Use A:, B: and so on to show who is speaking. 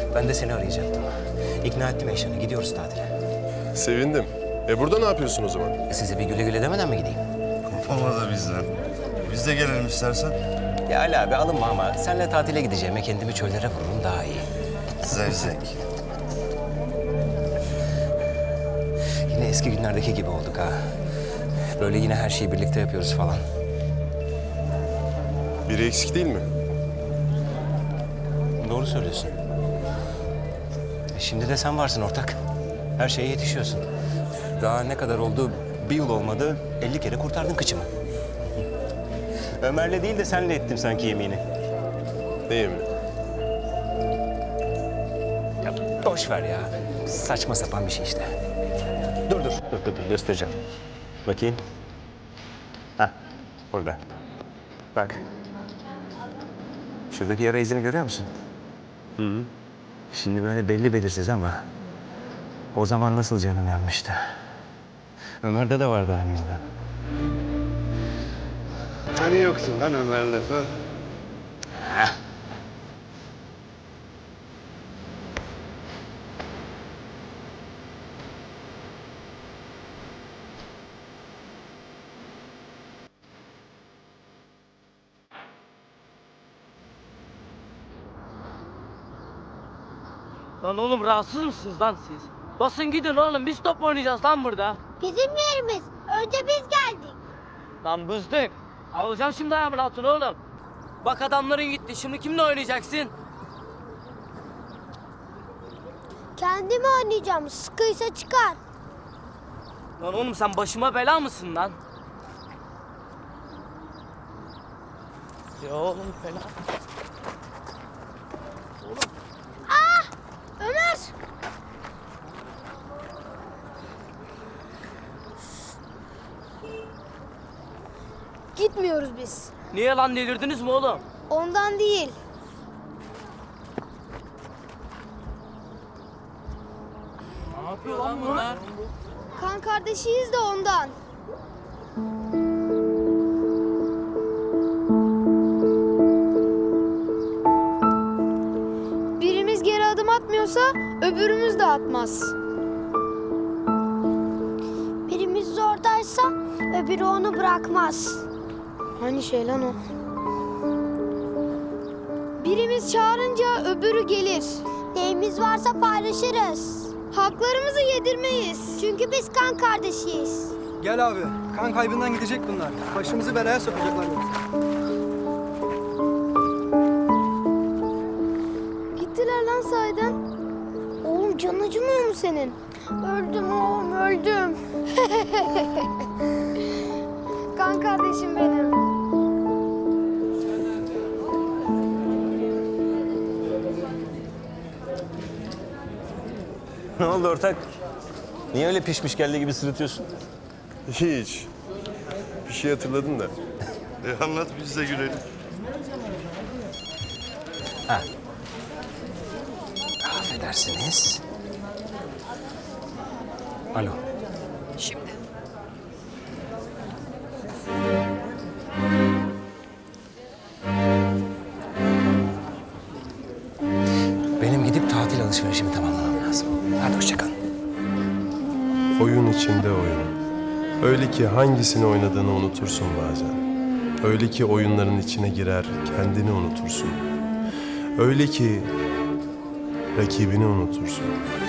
A: Ben de seni arayacaktım. İkna ettim Eyşan'ı. Gidiyoruz tatile.
B: Sevindim. Burada ne yapıyorsun o zaman?
A: Size bir güle güle demeden mi gideyim?
C: Kopamadı bizden. Biz de gelelim istersen.
A: Ya Ali abi alınma ama senle tatile gideceğime kendimi çöllere vururum daha iyi.
C: Zevzek.
A: Yine eski günlerdeki gibi olduk ha. Böyle yine her şeyi birlikte yapıyoruz falan.
B: Biri eksik değil mi?
A: Doğru söylüyorsun. Şimdi de sen varsın ortak. Her şeye yetişiyorsun. Daha ne kadar oldu? Bir yıl olmadı. 50 kere kurtardın kıçımı. Ömer'le değil de senle ettim sanki yemini.
B: Ne yemin?
A: Ya boş ver ya. Saçma sapan bir şey işte. Dur. Dur göstereceğim. Bakayım. Hah burada. Bak. Şuradaki yara izini görüyor musun? Hı. Şimdi böyle belli belirsiz ama o zaman nasıl canım yanmıştı. Ömer'de de vardı aynı.
D: Hani yoksun lan Ömer lafı?
E: Lan oğlum rahatsız mısınız lan siz? Basın gidin oğlum biz top oynayacağız lan burada.
F: Bizim yerimiz. Önce biz geldik.
E: Lan bızdık. Alacağım şimdi ayağımın altına oğlum. Bak adamların gitti şimdi kimle oynayacaksın?
F: Kendimi oynayacağım. Sıkıysa çıkar.
E: Lan oğlum sen başıma bela mısın lan? Ya oğlum fena.
F: Ömer! Gitmiyoruz biz.
E: Niye lan delirdiniz mi oğlum?
F: Ondan değil.
E: Ne yapıyor lan bunlar?
F: Kan kardeşiyiz de ondan. Birimiz geri adım atmıyorsa öbürümüz de atmaz. Birimiz zordaysa öbürü onu bırakmaz. Hani şey lan o? Birimiz çağırınca öbürü gelir. Neyimiz varsa paylaşırız. Haklarımızı yedirmeyiz. Çünkü biz kan kardeşiyiz.
G: Gel abi. Kan kaybından gidecek bunlar. Başımızı belaya sokacaklar yoksa.
F: Gittiler lan sahiden. Oğlum canın acımıyor mu senin? Öldüm oğlum öldüm. Kan kardeşim benim.
A: Ne oldu ortak? Niye öyle pişmiş geldi gibi sırıtıyorsun?
B: Hiç. Bir şey hatırladın da.
C: Anlat biz de gülelim.
A: Affedersiniz. Alo. Benim gidip tatil alışverişimi tamamlamam lazım. Hadi hoşça kal.
B: Oyun içinde oyun. Öyle ki hangisini oynadığını unutursun bazen. Öyle ki oyunların içine girer, kendini unutursun. Öyle ki rakibini unutursun.